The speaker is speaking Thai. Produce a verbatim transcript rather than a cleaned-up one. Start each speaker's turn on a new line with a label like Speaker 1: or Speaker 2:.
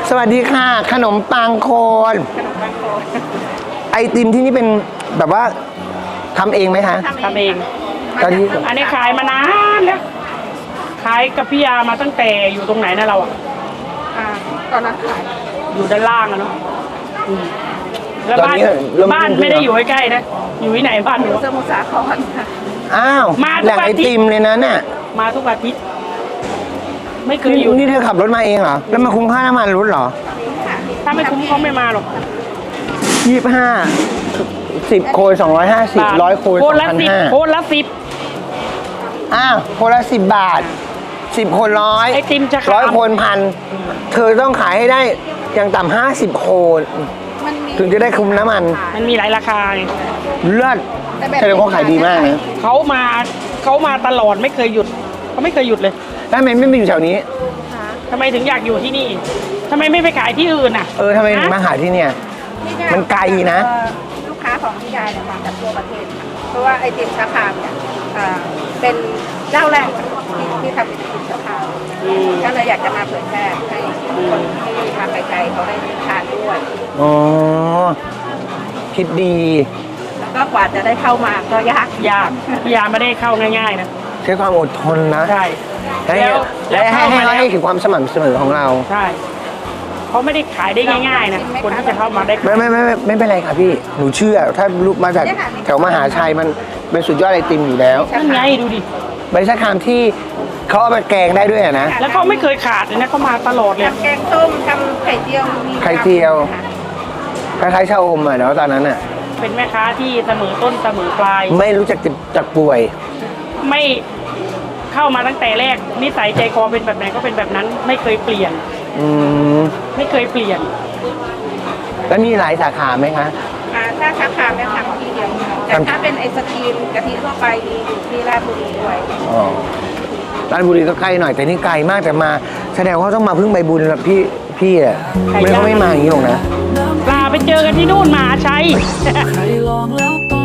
Speaker 1: สวัสดีค่ะขนมปังโคน
Speaker 2: ขนมปังโคน
Speaker 1: ไอติมที่นี่เป็นแบบว่าทำเองไหมคะ
Speaker 2: ทำเอง
Speaker 1: ตอนนี้
Speaker 2: อันนี้ขายมานานแล้วขายกับพี่ยามาตั้งแต่อยู่ตรงไหนนะเราอ่ะ
Speaker 3: อ่าตอนนั้นขาย
Speaker 2: อยู่ด้านล่างอะเนาะอืมแล้ว
Speaker 1: ตอน
Speaker 2: บ้าน
Speaker 1: นี้เริ่
Speaker 2: บ้านไม่ได้อยู่ใกล้ๆนะอยู่ที่ไหนบ้านหนู
Speaker 3: สมุทรสาครค่ะ
Speaker 1: อ้าว
Speaker 2: มาทุก
Speaker 1: แหล่ง
Speaker 2: อา
Speaker 1: ไอ
Speaker 2: ทิตย์
Speaker 1: ติมเลยนะเนี่ย
Speaker 2: มาทุกอาทิตย์ไม่เคย
Speaker 1: นี่
Speaker 2: อยู่
Speaker 1: นี่เธอขับรถมาเองเหรอแล้วมาคุ้มค่าน้ำมันรถเหรอ
Speaker 2: ถ้าไม่คุ้มเขาไม่มาหรอก
Speaker 1: ยี่สิบห้าสิบโคนสองร้อยห้าสิบร้อยโคน
Speaker 2: โค
Speaker 1: สอน ง
Speaker 2: ละ
Speaker 1: พัน
Speaker 2: สิบ
Speaker 1: ห้า
Speaker 2: โคนละสิบ
Speaker 1: อ้าวโคนละสิบบาทสิบโคนร้อย
Speaker 2: ไอติมจะ
Speaker 1: ร้อยโคนพันเธอต้องขายให้ได้อย่างต่ำห้าสิบโคน
Speaker 3: มันมี
Speaker 1: ถึงจะได้คุ้มน้ำมัน
Speaker 2: มันมีหลายราคาไง
Speaker 1: เลิศแสดงว่าขายดีมากนะ
Speaker 2: เขามาเขามาตลอดไม่เคยหยุดเขาไม่เคยหยุดเลย
Speaker 1: แล้วทำไมไม่มาอยู่แถวนี้
Speaker 2: ทำไมถึงอยากอยู่ที่นี่ทำไมไม่ไปขายที่อื่นอ่ะ
Speaker 1: เออทำไมถึงมาหาที่เนี่ย มันไกลนะ
Speaker 3: เอ่อลูกค้าของพี่ยายเนี่ยมาจากทั่วประเทศค่ะเพราะว่าไอติมชาคามเนี่ยอ่าเป็นเจ้าแรกที่ที่ทำไอติมชาคาม
Speaker 2: อืม
Speaker 3: ก็เลยอยากจะมาเผยแพร่ให้คนที่มาไกลๆเขาได้ทานด้วย
Speaker 1: อ๋อ คิดดี
Speaker 3: แล้วก็กว่าจะได้เข้ามาก็ยาก
Speaker 2: ยากพี่ยาไม่ได้เข้าง่ายๆนะ
Speaker 1: ใช้ความอดทนนะ
Speaker 2: ใช่
Speaker 1: ให้
Speaker 2: แล้ว
Speaker 1: และ
Speaker 2: แล้ว
Speaker 1: ให้
Speaker 2: เข้า
Speaker 1: ให้
Speaker 2: มาแล้ว
Speaker 1: ให้ถึงความสม่ำเสมอของเรา
Speaker 2: ใช่เขาไม่ได้ขายได้ง่ายๆนะคนที่จะเข้ามาได้
Speaker 1: ไม่ไม่ไม่ไม่ไม่เป็นไรค่ะพี่ หนูเชื่อ ถ้าลูกมาจากแถวมหาชัยมันเป็นสุดยอดไอติมอยู่แล้ว
Speaker 2: นั่นไงดูดิ
Speaker 1: บริษัทคามที่เขาเอาไปแกงได้ด้วยอะนะ
Speaker 2: แล้วเขาไม่เคยขาดเลยนะเขามาตลอดเลย
Speaker 3: ทำแกงส้มทำไข่เจียวมี
Speaker 1: ไข่เจียว
Speaker 3: ค่ะ
Speaker 1: คล้ายๆชาอมอะเนาะตอนนั้นอะ
Speaker 2: เป็นแม่ค้าที่เสมอต้นเสมอปลาย
Speaker 1: ไม่รู้จักเจ็บจากป่วย
Speaker 2: ไม่เข้ามาตั้งแต่แรกนิสัยใจคอเป็นแบบไหนก็เป็นแบบนั้น ไม่เคยเปลี่ยน
Speaker 1: อืม
Speaker 2: ไม่เคยเปลี่ยน
Speaker 1: แล้วมีหลายสาขาไหมคะ
Speaker 3: อ่าถ้าชาคามเนี่ยทำที่เดียวค่ะแต่ถ้าเป็นไอศกรีมกะทิทั่วไปมีอยู่ที่ราชบุรีด้วย
Speaker 1: อ๋อราชบุรีก็ใกล้หน่อยแต่นี่ไกลมากแต่มา แสดงว่าเขาต้องมาพึ่งใบบุญแล้วพี่พี่อะ
Speaker 2: ไกล
Speaker 1: ไม่
Speaker 2: จัง
Speaker 1: เขาไม่มาอย่างนี้หรอกนะ
Speaker 2: ปลาไปเจอกันที่นู่นมหาชัย
Speaker 4: ใครลองแล้วต้อง